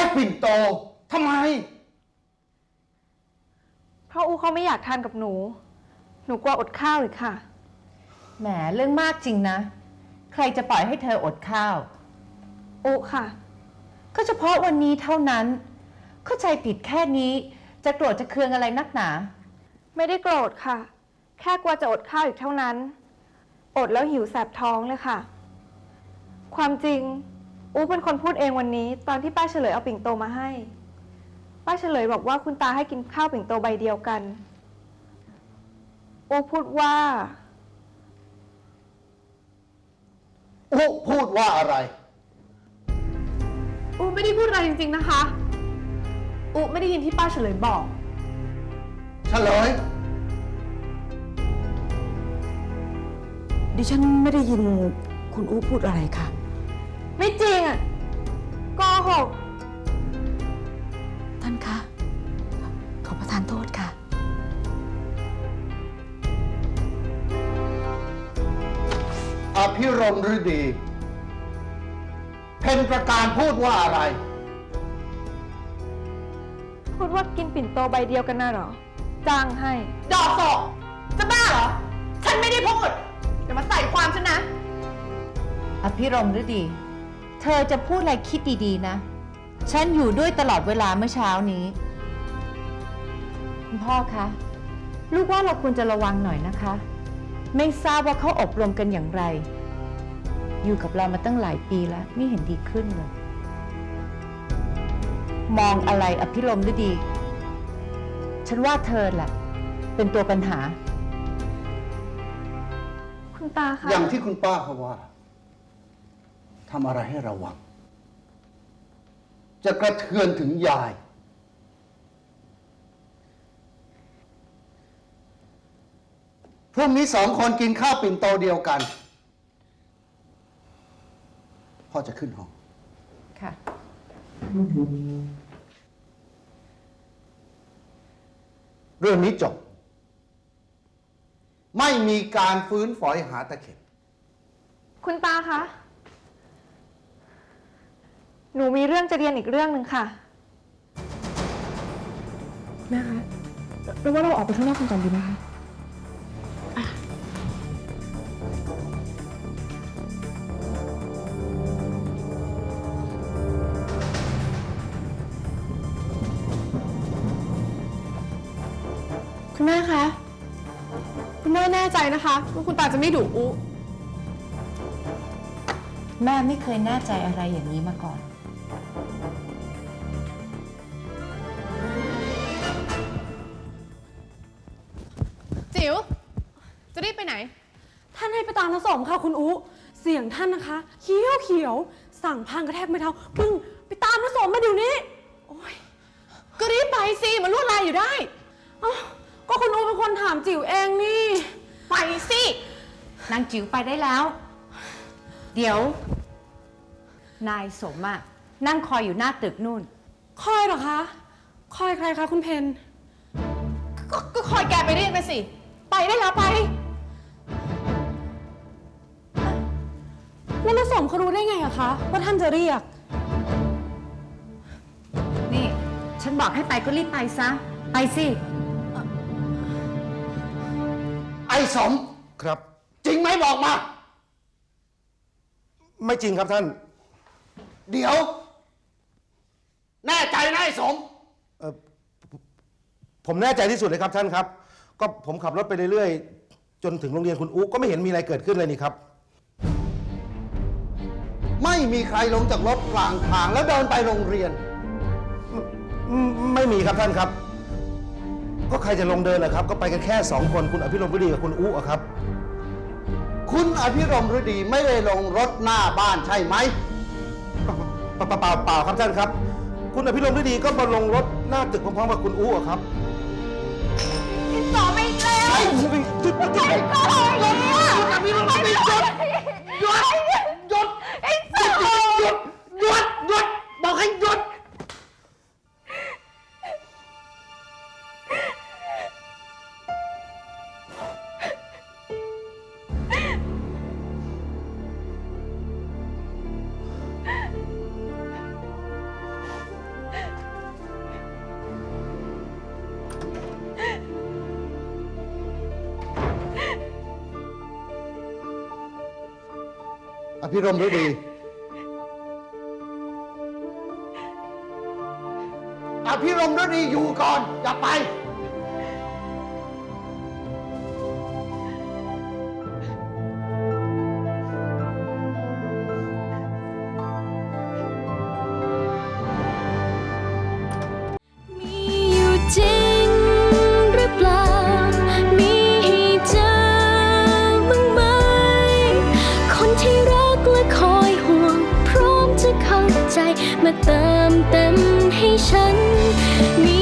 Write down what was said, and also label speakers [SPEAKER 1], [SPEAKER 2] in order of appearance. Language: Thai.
[SPEAKER 1] ปิ่นโตทำไม
[SPEAKER 2] เพราะอูเขาไม่อยากทานกับหนูกลัวอดข้าวอีกค่ะ
[SPEAKER 3] แหมเรื่องมากจริงนะใครจะปล่อยให้เธออดข้าว
[SPEAKER 2] อูค่ะ
[SPEAKER 3] ก็เฉพาะวันนี้เท่านั้นเข้าใจผิดแค่นี้จะโกรธจะเคืองอะไรนักหนา
[SPEAKER 2] ไม่ได้โกรธค่ะแค่กลัวจะอดข้าวอีกเท่านั้นอดแล้วหิวแสบท้องเลยค่ะความจริงอูเป็นคนพูดเองวันนี้ตอนที่ป้าเฉลยเอาปิ่นโตมาให้ป้าเฉลยบอกว่าคุณตาให้กินข้าวปิ่นโตใบเดียวกันอูพูดว่า
[SPEAKER 1] อูพูดว่าอะไร
[SPEAKER 2] อูไม่ได้พูดอะไรจริงๆนะคะอูไม่ได้ยินที่ป้าเฉลยบอก
[SPEAKER 1] เฉลย
[SPEAKER 4] ดิฉันไม่ได้ยินคุณอู๋พูดอะไรค่ะ
[SPEAKER 2] ไม่จริงอ่ะโกหก
[SPEAKER 4] ท่านคะขอประทานโทษค่ะ
[SPEAKER 1] อภิรมย์ฤดีเพ็ญประการพูดว่าอะไร
[SPEAKER 2] พูดว่ากินปิ่นโตใบเดียวกันน่ะเหรอจ้างให้
[SPEAKER 3] ดอกศอกจะบ้าเหรอฉันไม่ได้พูดอย่ามาใส่ความฉันนะอภิรมย์ฤดีเธอจะพูดอะไรคิดดีๆนะฉันอยู่ด้วยตลอดเวลาเมื่อเช้านี้คุณพ่อคะลูกว่าเราควรจะระวังหน่อยนะคะไม่ทราบว่าเขาอบรมกันอย่างไรอยู่กับเรามาตั้งหลายปีแล้วไม่เห็นดีขึ้นเลยมองอะไรอภิรมย์ฤดีฉันว่าเธอแหละเป็นตัวปัญหา
[SPEAKER 2] คุณตาคะ
[SPEAKER 1] อย่างที่คุณป้าเขาว่าทำอะไรให้ระวังจะกระเทือนถึงยายพรุ่งนี้2 คนกินข้าวปิ่นโตเดียวกันพ่อจะขึ้นห้อง
[SPEAKER 3] ค่ะ
[SPEAKER 1] เรื่องนี้จบไม่มีการฟื้นฝอยหาตะเข็บ
[SPEAKER 2] คุณตาคะหนูมีเรื่องจะเรียนอีกเรื่องหนึ่งค่ะ
[SPEAKER 4] แม่คะเราว่าเราออกไปข้างนอกกันก่อนดีไหมคะ
[SPEAKER 2] คุณแม่คะคุณแม่แน่ใจนะคะว่าคุณตาจะไม่ดุอู
[SPEAKER 3] แม่ไม่เคยแน่ใจอะไรอย่างนี้มาก่อน
[SPEAKER 2] จิ๋วจะรีบไปไหน
[SPEAKER 5] ท่านให้ไปตามผสมค่ะคุณอูเสียงท่านนะคะเขียวสั่งพังกระแทกไม่เท้าปึ้งไปตามผสมมาเดี๋ยวนี้โอ้ย
[SPEAKER 2] ก็รีบไปสิมันลวดลายอยู่ได้
[SPEAKER 5] ก็คุณอูเป็นคนถามจิ๋วเองนี่
[SPEAKER 2] ไปสิ
[SPEAKER 3] นางจิ๋วไปได้แล้วเดี๋ยวนายสมอะนั่งคอยอยู่หน้าตึกนู่น
[SPEAKER 5] คอยเหรอคะคอยใครคะคุณเพน
[SPEAKER 2] ก็คอยแกไปเรียกไปสิไปได้แล้วไป
[SPEAKER 5] แล้วผสมเขารู้ได้ไงอะคะว่าท่านจะเรียก
[SPEAKER 3] นี่ฉันบอกให้ไปก็รีบไปซะไปสิ
[SPEAKER 1] ไอ้สม
[SPEAKER 6] ครับ
[SPEAKER 1] จริงไหมบอกมา
[SPEAKER 6] ไม่จริงครับท่าน
[SPEAKER 1] เดี๋ยวแน่ใจนะไอ้สม
[SPEAKER 6] ผมแน่ใจที่สุดเลยครับท่านครับก็ผมขับรถไปเรื่อยๆจนถึงโรงเรียนคุณอุ๊ก็ไม่เห็นมีอะไรเกิดขึ้นเลยนี่ครับ
[SPEAKER 1] ไม่มีใครลงจากรถกลางทางแล้วเดินไปโรงเรียน
[SPEAKER 6] ไม่มีครับท่านครับก็ใครจะลงเดินล่ะครับก็ไปกันแค่2 คนคุณอภิรมย์ฤดีกับคุณอุ๊อะครับ
[SPEAKER 1] คุณอภิรมย์ฤดีไม่ได้ลงรถหน้าบ้านใช่ไหม
[SPEAKER 6] เปล่าครับท่านครับคุณอภิรมย์ฤดีก็มาลงรถหน้าตึกพร้อมๆกับคุณอุ๊อะครับ
[SPEAKER 2] ต่อไม่แล้ว
[SPEAKER 6] หยุด
[SPEAKER 2] หยุดหยุด
[SPEAKER 1] อภิรมย์ฤดีหยุดหยุดหยุดหยุดหยุดหยุดบอกให้หยุด
[SPEAKER 6] อภิรมย์ฤดี
[SPEAKER 1] อภิรมย์ฤดีอยู่ก่อน อย่าไป
[SPEAKER 7] มีอยู่จริงหรือเปล่า มีให้เจอบ้างไหม คนที่รักและคอยห่วง พร้อมจะเข้าใจมาเติมเต็มให้ฉันมี